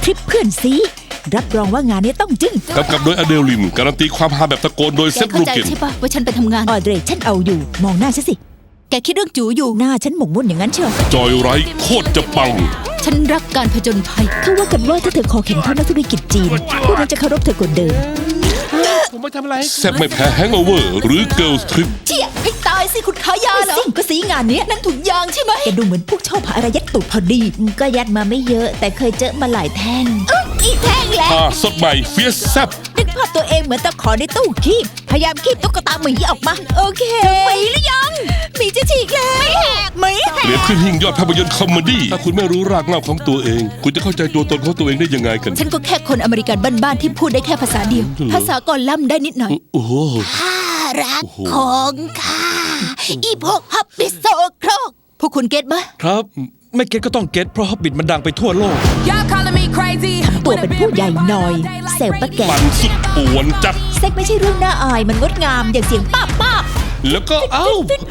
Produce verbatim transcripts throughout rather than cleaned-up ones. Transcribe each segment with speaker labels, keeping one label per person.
Speaker 1: ทริปเพื่อนซีรับรองว่างานนี้ต้องจึ้ง
Speaker 2: กำกับโดยอเดลินการันตีความฮาแบบตะโกนโดยเซธ
Speaker 3: เข้า
Speaker 2: รู
Speaker 3: ใจ
Speaker 2: เกน
Speaker 3: ใช่ปะว่าฉันไปทำงาน
Speaker 1: ออเดรฉันเอาอยู่มองหน้าฉันสิ
Speaker 3: แกคิดเรื่องจูอยู่
Speaker 1: หน้าฉันหมกมุ่นอย่างนั้นเชียว
Speaker 2: จอยไรท์โคตรจะปัง
Speaker 3: ฉันรักการผจญภัย
Speaker 1: เขาว่ากันว่าถ้าเธอคอแข็งเท่านักธุรกิจจีนพวกนั้นจะเคารพเธอกว่าเดิม
Speaker 4: ผมไม่ทำอะไร
Speaker 2: แซ่บไม่แพ้แฮง g อ v เวอร์หรือเกิร์ลทริป
Speaker 3: เชี่ยให้ตายสิคุณขายาเหรอ
Speaker 1: สิ่งก็สีงานเนี้ย
Speaker 3: นั่นถุงยางใช่ไหม
Speaker 1: แกดูเหมือนพวกชอบหาอะไรยัดตูดพอดี ก็ยัดมาไม่เยอะ แต่เคยเจอมาหลายแท่ง
Speaker 3: อีแท่งแหละ
Speaker 2: ผ้าสดใหม่เฟียสแซ่บ
Speaker 1: นึกภาพตัวเองเหมือนตะขอในตู้คีบพยายามคีบตุ๊กตาหมีออกมา โอเคหมีหรือยังหมีจะฉีกแล้วหมีแห
Speaker 2: เตรียม
Speaker 1: ก
Speaker 2: ขึ้นหิ่งยอดภาพยนตร์คอมเมดี้ถ้าคุณไม่รู้รากเหง้าของตัวเอง คุณจะเข้าใจตัวตนของตัวเองได้ยังไงกัน
Speaker 3: ฉันก็แค่คนอเมริกันบ้านๆที่พูดได้แค่ภาษาเดียว
Speaker 2: เหรอ
Speaker 3: ภาษากอล่ำได้นิดหน่อย
Speaker 2: โอ้โห
Speaker 3: ข้ารักของข้าอีพวกฮับบิสโซโครกพวกคุณเก็ตไหม
Speaker 4: ครับไม่เก็ตก็ต้องเก็ตเพราะฮอบบิทมันดังไปทั่วโลก
Speaker 5: Y'all calling me crazy
Speaker 1: ตัวเป็นผู้ใหญ่หน่อยเซลปะแก
Speaker 2: ปั่นสุดป่วนจัด
Speaker 1: เซ็กไม่ใช่เรื่องน่าอายมันงดงามอย่างเสียงป้าบป้าบ
Speaker 2: แล้วก็เอ้า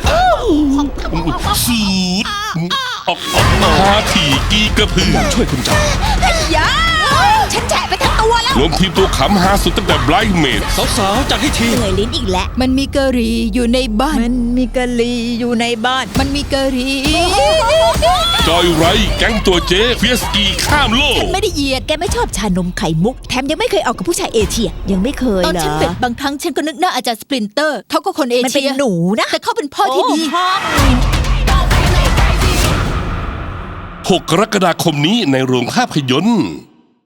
Speaker 2: สูดออกออกมาถี่กีกระพือ
Speaker 4: อยากช่วยคุณจัง
Speaker 1: ยาฉันแฉะไปทั้งตัวแล้ว
Speaker 2: รวมทีมตัวขำฮาสุดตั้งแต่ Blind Maid
Speaker 4: สาวๆจัดให้ที
Speaker 1: เหนื่อยลิ้นอีกแล้ว
Speaker 3: มันมีกะหรี่อยู่ในบ้าน
Speaker 1: มันมีกะลีอยู่ในบ้าน
Speaker 3: มันมีกะหรี่
Speaker 2: จอยไรท์แก๊งตัวเจ๊เฟียสกีข้ามโลก
Speaker 3: ไม่ได้เหยียด
Speaker 1: แกไม่ชอบชานมไข่มุก แถมยังไม่เคยเอากับผู้ชายเอเชีย ยังไม่เคย
Speaker 3: ตอน
Speaker 1: เหรอ
Speaker 3: ฉันเป็นบางครั้งฉันก็นึกหน้าอาจารย์สปรินเตอร์เขาก็คนเอ
Speaker 1: มันเป็
Speaker 3: เชี
Speaker 1: น
Speaker 3: ย
Speaker 1: หนูนะ
Speaker 3: แต่เขาเป็นพ่อที่ดี
Speaker 1: โพ่อ
Speaker 2: หกกรกฎาคมนี้ในโรงภาพยนตร์